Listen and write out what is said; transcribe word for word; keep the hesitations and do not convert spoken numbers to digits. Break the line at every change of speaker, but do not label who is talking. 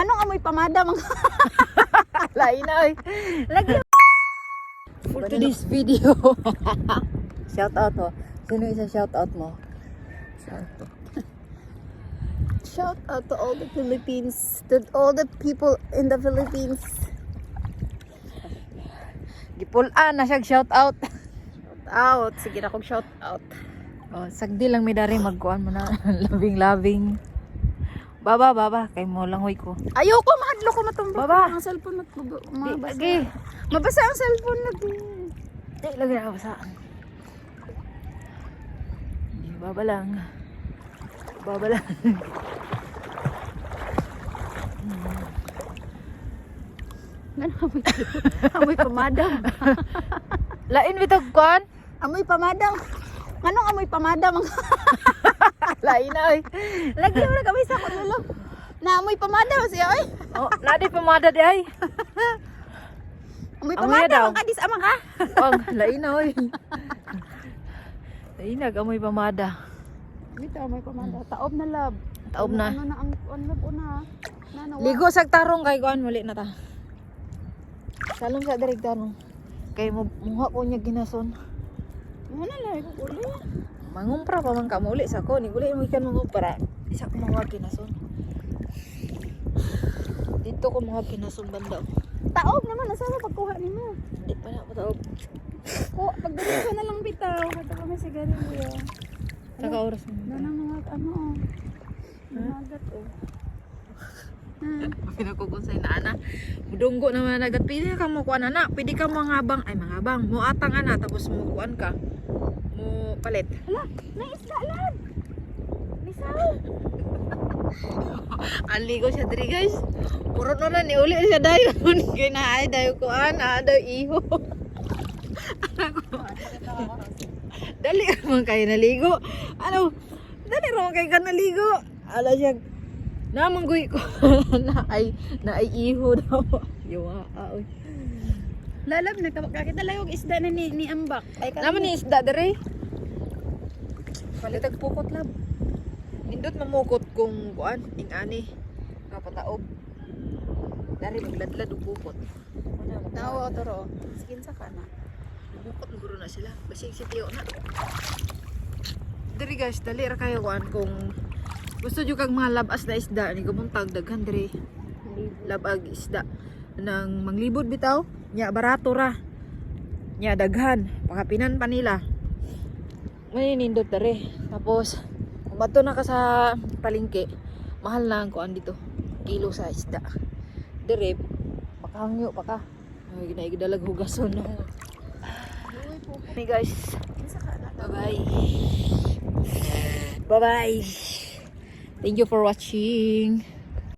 Nganong amoy pamada mga
Lain na eh.
lagi.
For today's video. Shout out mo. Sino isa shout out mo? Shout out.
Shout out to all the Philippines, to all the people in the Philippines.
Gipulaan na siya shout out.
Shout out. Sige na kong shout out.
Oh, sagdi lang mi dari magkuan mo na. Labing labing. Baba baba kay mo lang hoy ko.
Ayoko mahadlo ko matumbok.
Baba.
Ang cellphone mat
Di
mabasa.
lagi.
Mabasa ang cellphone na di.
Di lagi na basaan. Di baba lang. Baba lang.
Ngano amoy amoy pamadam.
Lain bitog kuan.
Amoy pamadam. Nganong amoy pamadam mga
Lain na eh.
lagi mo na kami sa kulo. Na amoy pamadam siya oy.
Oh, nadi pamada di ay.
Amoy
Amoy daw.
pamadam ang kadis amang ka.
Wag, lain na oy. Lain na amoy pamada.
Dito amoy pamada. Taob na lab.
Taob na.
Ano na ang on lab una. Na na.
Ligo sa tarong kay kuan muli na ta. Salom sa direk tanong. Kay mo muha ko niya ginason.
Ano na lang ko uli.
Mangumpra pa man ka muli sa ko ni uli mo ikan mo para isa ko mga ginason. Dito ko mga ginason banda.
Taob naman asa mo pagkuha nimo.
Di pa na pataog.
Ko pagdali ko na lang bitaw. Kato kami sigarilyo.
Saka oras mo.
Na nang mga ano oh. Magat oh. Hmm.
Pinakukunsay na ana. Mudunggo naman nagat pili ka mo kuan ana. Pwede ka mangabang ay mangabang. Mo atang ana tapos mo kuan ka. Mo palit.
Hala, may isda lang. Misaw.
Aligo siya diri guys. Puro na ni uli siya dayon. Kay na ay dayo ko ana daw iho. Dali man kay naligo. Ano? Dali ra man kay ka naligo. Ala siya namanggoy ko na ay na ay iho daw. Yawa oy.
Lalab na kakita lang yung isda na ni, ni Ambak. Ay
Naman ni isda dere. Palitag pukot lab. Nindot mamukot kung kuan ing ani kapataog. Dari magladlad og pukot. Wala mo.
Nawa toro. Skin sa kana.
Bukot ng guro na sila. Basig si Tio na. Diri guys, dali ra kayo kuan kung gusto nyo kag mga labas na isda ni gumuntag daghan diri. Labag isda nang manglibod bitaw. Nya barato ra. Nya daghan. Pakapinan pa nila. Maninindot diri. Tapos kung bato na ka sa palengke, mahal na ang kuan dito. Kilo sa isda. Diri pakahangyo pa ka. Ay ginaidalag hugason no. Hey guys. Bye-bye. Bye-bye. Thank you for watching.